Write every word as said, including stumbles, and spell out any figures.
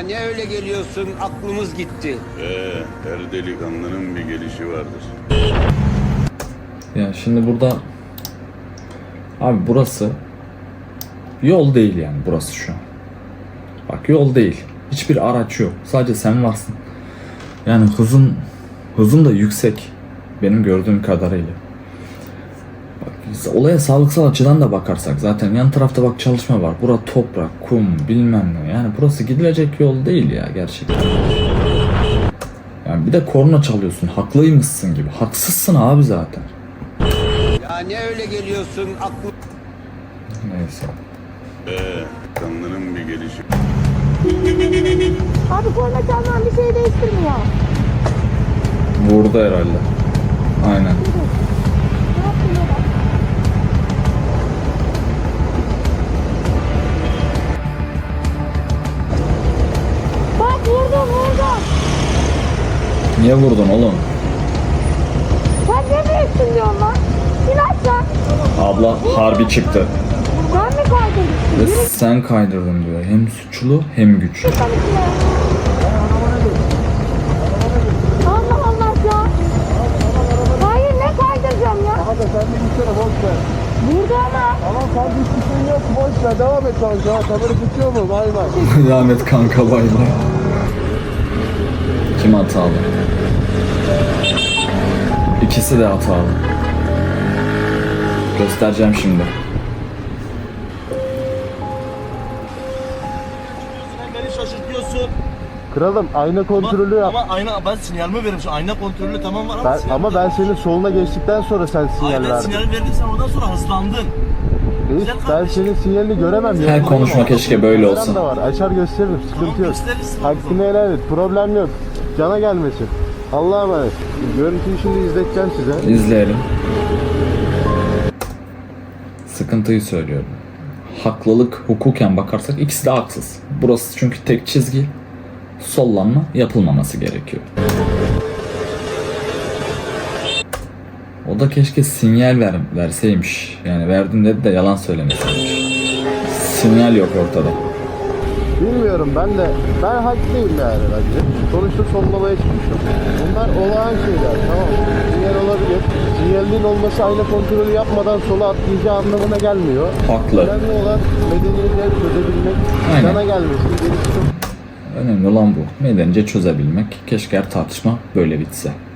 ne öyle geliyorsun, aklımız gitti. Ee, her delikanlının bir gelişi vardır. Ya şimdi burada abi burası yol değil yani burası şu an. Bak yol değil. Hiçbir araç yok. Sadece sen varsın. Yani hızın hızın da yüksek benim gördüğüm kadarıyla. Bak, biz olaya sağlıksal açıdan da bakarsak zaten yan tarafta bak çalışma var. Bura toprak, kum, bilmem ne. Yani burası gidilecek yol değil ya gerçekten. Yani bir de korna çalıyorsun. Haklıymışsın gibi. Haksızsın abi zaten. Ya ne öyle geliyorsun, aklım... Neyse. Ee, delikanlının bir gelişi. Abi korna çalman bir şey değiştirmiyor. Vurdu herhalde. Aynen. Ne yaptın ya? Bak vurdum vurdum. Niye vurdun oğlum? Sen ne büyüksün diyorsun lan? İn aşağı. Abla harbi çıktı. Ben mi kaydırdım? Ve sen kaydırdın diyor. Hem suçlu hem güçlü. Sen içine. Allah Allah ya. Hayır ne kaydıracağım ya? Hadi sen de gitsene boş ver. Burada ama. Tamam sen hiçbir şey yok boş ver devam et kanka. Kamera tutuyor mu? Bay bay. Rahmet kanka bay bay. Kim hatalı? İkisi de hatalı. Göstereceğim şimdi. Sen beni şaşırtıyorsun. Kralım ayna kontrolü yap. Ama ayna ben sinyalimi veririm. Ayna kontrolü tamam var ama Ben, sinyal- ama ben senin soluna geçtikten sonra sen sinyal Aynen verdin. sinyal verdin sen ondan sonra hızlandın. Reis, ben senin sinyalini göremem. Her ya. konuşma keşke böyle Kameram olsa. da var. Açar gösteririm. Tamam Sıkıntı yok. gösterirsin. Hakkını helal et. Problem yok. Cana gelmesin. Allah'a emanet. Görüntüyü şimdi izleteceğim size. İzleyelim. Sıkıntıyı söylüyorum. Haklılık hukuken bakarsak ikisi de haksız. Burası çünkü tek çizgi. Sollanma yapılmaması gerekiyor. O da keşke sinyal ver, verseymiş. Yani verdim dedi de yalan söylemeseymiş. Sinyal yok ortada. Bilmiyorum ben de. Ben haklıyım yani bence. Sonuçta sollamaya çıkmışım. Bunlar olağan şeyler tamam mı? Sinyal olabilir. Sinyalin olması ayna kontrolü yapmadan sola atlayacağı anlamına gelmiyor. Haklı. Önemli olan medeniyetle çözebilmek. Aynen. Cana gelmesin. Gerisi çok Önemli olan bu. Medenice çözebilmek. Keşke her tartışma böyle bitse.